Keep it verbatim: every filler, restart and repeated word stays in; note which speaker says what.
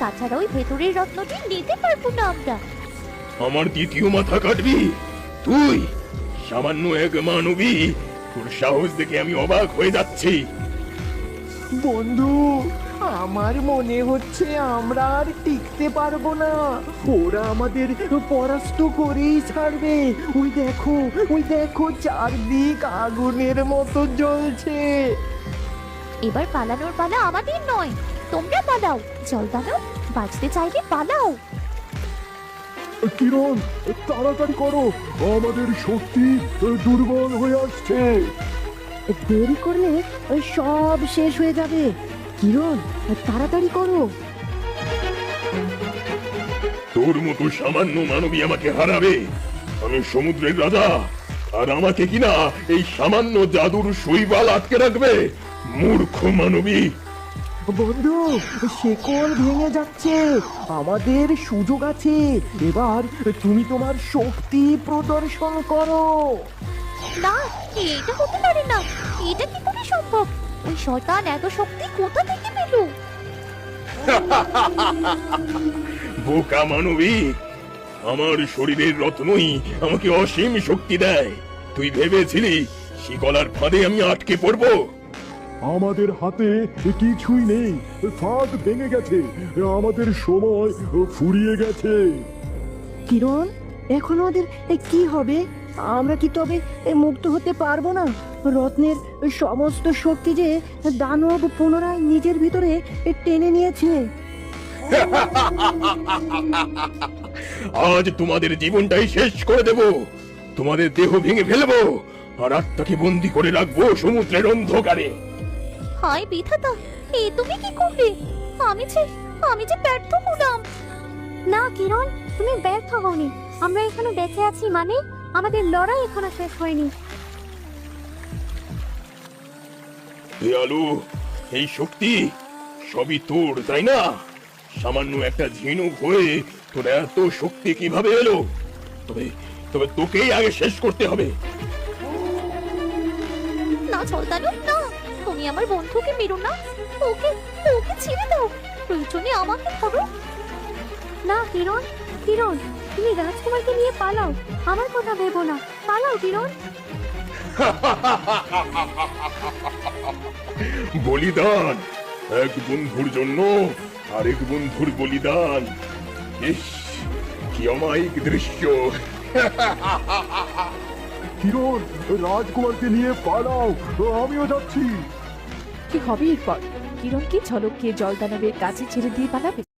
Speaker 1: তাছাড়া ওই ভেতরের রত্নটি নিতে পারবো না আমরা।
Speaker 2: আমার দ্বিতীয় মাথা কাটবি তুই? সামান্য এক মানবী, তোর সাহস দেখে আমি অবাক হয়ে যাচ্ছি।
Speaker 3: বন্ধু, আমার মনে হচ্ছে আমরা আর টিকতে পারবো না। ওরা আমাদের পরাস্ত করেই ছাড়বে। ওই দেখো, ওই দেখো, চারদিক আগুনের মতো জ্বলছে।
Speaker 1: এবার পালানোর পালা আমাদের নয়, তোমরা পালাও। জলদানব, বাঁচতে চাইলে পালাও।
Speaker 4: কিরণ, তাড়াতাড়ি করো, আমাদের শক্তি দুর্বল হয়ে আসছে।
Speaker 5: দেরি করলে ওই সব শেষ হয়ে যাবে। কিরণ, তাড়াতাড়ি করো।
Speaker 2: তোর মতো সামান্য মানবী আমাকে হারাবে? আমি সমুদ্রের রাজা, আর আমাকে কিনা এই সামান্য জাদুর শৈবাল আটকে রাখবে? মূর্খ মানবী!
Speaker 3: বন্ধু, শেকল ভেঙে যাচ্ছে, আমাদের সুযোগ আছে। এবার তুমি তোমার শক্তি প্রদর্শন করো।
Speaker 1: না, এটা হতে পারে না। এটা কি করে সম্ভব? ওই শয়তান এত শক্তি কোথা থেকে পেল?
Speaker 2: বোকা মানবী, আমার শরীরের রত্নই আমাকে অসীম শক্তি দেয়। তুই ভেবেছিলি শিকলার ফাঁদে আমি আটকে পড়বো?
Speaker 4: আমাদের হাতে কিছুই নেই, ফাঁদ ভেঙে গেছে, আমাদের সময় ফুরিয়ে গেছে।
Speaker 5: কিরণ, এখন ওদের কি হবে? আমরা কি তবে মুক্ত হতে পারবো না? রত্নের সমস্ত শক্তি যে দানব পুনরায় নিজের ভিতরে টেনে নিয়েছে।
Speaker 2: আজ তোমাদের জীবনটাই শেষ করে দেব। তোমাদের দেহ ভেঙে ফেলবো, আর আত্মাকে বন্দি করে রাখবো সমুদ্রের অন্ধকারে।
Speaker 1: হায় বিধাতা, এ তুমি কি করলে? আমি যে আমি যে ব্যর্থ হলাম।
Speaker 6: না কিরণ, তুমি ব্যর্থ হওনি। আমরা এখানে বেঁচে আছি মানে আমাদের লড়াই এখনো শেষ হয়নি।
Speaker 2: দয়ালু, এই শক্তি সবই তোর, তাই না? সামান্য একটা ঝিনুক হয়ে তোর এত শক্তি কিভাবে এলো? তবে তবে তোকেই আগে শেষ করতে হবে।
Speaker 1: না জলদানব, না, তুমি আমার বন্ধুকে মেরো না। ওকে ওকে ছেড়ে দাও, প্রয়োজনে আমাকে ধরো।
Speaker 6: না কিরণ, কিরণ, তুমি রাজকুমারকে নিয়ে পালাও। আমার কথা ভেবো না, পালাও কিরণ।
Speaker 2: বলিদান, এক বন্ধুর জন্য আরেক বন্ধুর বলিদান। ইস, কি অমায়িক দৃশ্য!
Speaker 4: কিরণ, রাজকুমারকে নিয়ে পালাও, আমিও যাচ্ছি।
Speaker 7: কি হবে এরপর? কিরণ কি ঝলককে জলদানবের কাছে ছেড়ে দিয়ে পালাবে?